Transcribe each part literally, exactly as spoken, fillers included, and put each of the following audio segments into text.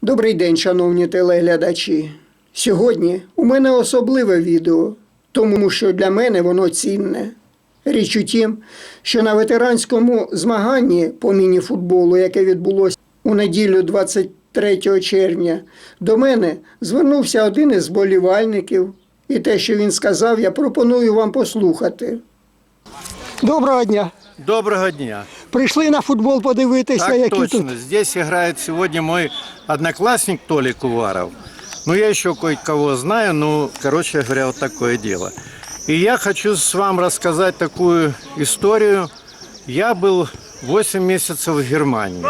Добрий день, шановні телеглядачі. Сьогодні у мене особливе відео, тому що для мене воно цінне. Річ у тім, що на ветеранському змаганні по міні-футболу, яке відбулося у неділю двадцять третього червня, до мене звернувся один із вболівальників, і те, що він сказав, я пропоную вам послухати. Доброго дня. Доброго дня. Прийшли на футбол подивитися, Так які точно. тут. Здесь играет сегодня мой одноклассник Толик Уваров. Ну, я еще кое-кого знаю, ну, короче говоря, вот такое дело. И я хочу с вами рассказать такую историю. Я был восемь месяцев в Германии.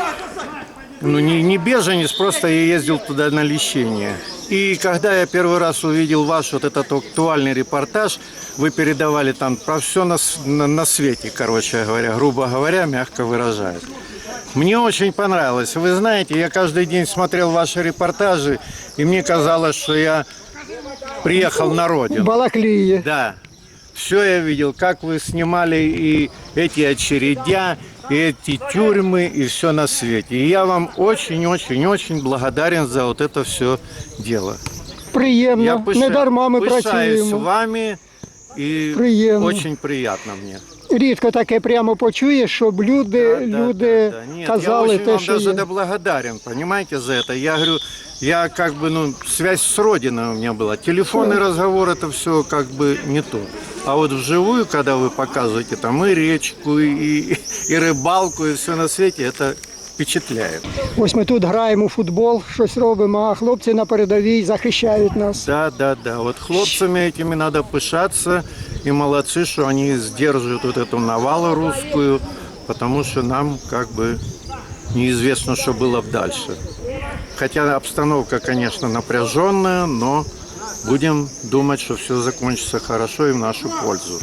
Ну, не, не беженец, просто я ездил туда на лечение. И когда я первый раз увидел ваш вот этот актуальный репортаж, вы передавали там про все на, на, на свете, короче говоря, грубо говоря, мягко выражаясь. Мне очень понравилось. Вы знаете, я каждый день смотрел ваши репортажи, и мне казалось, что я приехал на родину. Балаклії. Да. Все я видел, как вы снимали и эти очередя, и эти тюрьмы, и все на свете. И я вам очень-очень-очень благодарен за вот это все дело. Приємно, Я пиша- не дарма ми пишаюсь працюємо. вами, и Приємно. очень приятно мне. Рідко таке прямо почуєш, щоб люди, Да, да, люди да, да. Нет, казали я очень те, вам що даже є. да благодарен, понимаете, за это. Я говорю, я как бы, ну, связь с родиной у меня была. Телефонный разговор, это все как бы не то. А вот вживую, когда вы показываете там и речку, и, и рыбалку, и все на свете, это впечатляет. Ось ми тут граємо у футбол, щось робимо, а хлопці на передовій захищають нас. Да, да, да. Вот хлопцами этими надо пышаться, и молодцы, что они сдерживают вот эту навалу русскую, потому что нам как бы неизвестно, что было бы дальше. Хотя обстановка, конечно, напряженная, но будем думать, что все закончится хорошо и в нашу пользу.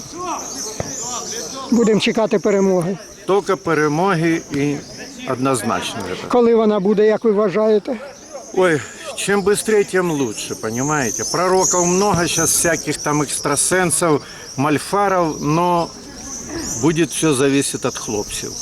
Будемо чекати перемоги. Только перемоги и однозначно это. Коли вона буде, як ви вважаєте? Ой, чем быстрее, тем лучше, понимаете? Пророков много сейчас, всяких там экстрасенсов, мальфаров, но будет все зависеть от хлопцев.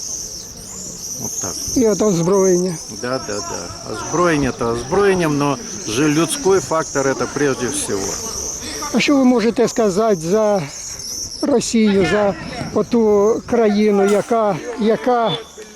Вот так. І от озброєння. Да, да, да. Озброєння то озброєнням, но же людской фактор это прежде всего. А що ви можете сказати за Росію, за оту країну, яка, яка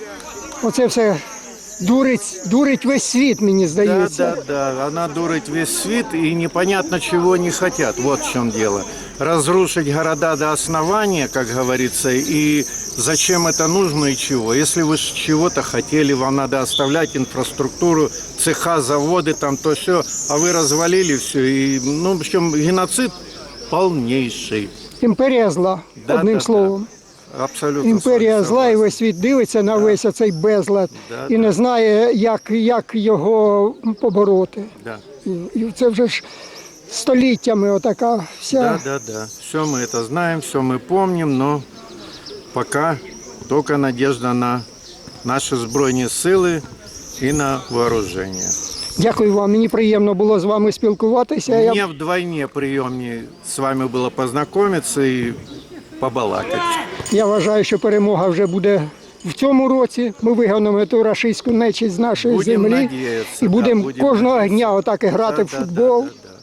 оце все дурить, дурить весь світ, мені Да, здається. да, да. Она дурит весь свет и непонятно чего не хотят. Вот в чем дело. Разрушить города до основания, как говорится, и зачем это нужно и чего. Если вы ж чего-то хотели, вам надо оставлять инфраструктуру, цеха, заводы, там то все, а вы развалили все. И, ну, в общем, геноцид полнейший. Імперія зла, Да, одним да, словом. да. Абсолютно. Імперія с вами зла, і согласен. весь світ дивиться на весь оцей безлад Да, і да. не знає, як, як його побороти. Да. І, і це вже ж століттями отака вся. Да, да, да. Все мы это знаем, все мы помним, но пока только надежда на наши збройні сили і на вооружение. Дякую вам, мені приємно було з вами спілкуватися. Я... Мне вдвойне приемнее с вами было познакомиться и побалакать. Я вважаю, що перемога вже буде в цьому році. Ми вигонимо ту рашистську нечисть з нашої Будем землі надіятися, і будемо да, будем кожного надіятися. дня отак і грати Да, в да, футбол да, да,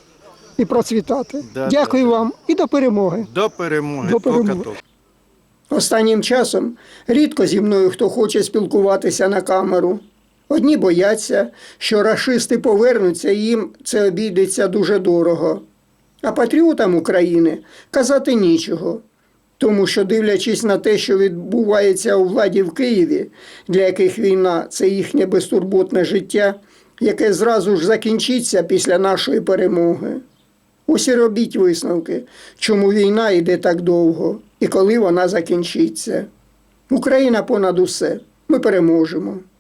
і процвітати. Да, Дякую да, да. вам і до перемоги. да. До перемоги. До перемоги. Тільки-тільки. Останнім часом рідко зі мною хто хоче спілкуватися на камеру. Одні бояться, що рашисти повернуться і їм це обійдеться дуже дорого. А патріотам України казати нічого. Тому що, дивлячись на те, що відбувається у владі в Києві, для яких війна – це їхнє безтурботне життя, яке зразу ж закінчиться після нашої перемоги. Ось і робіть висновки, чому війна йде так довго і коли вона закінчиться. Україна понад усе. Ми переможемо.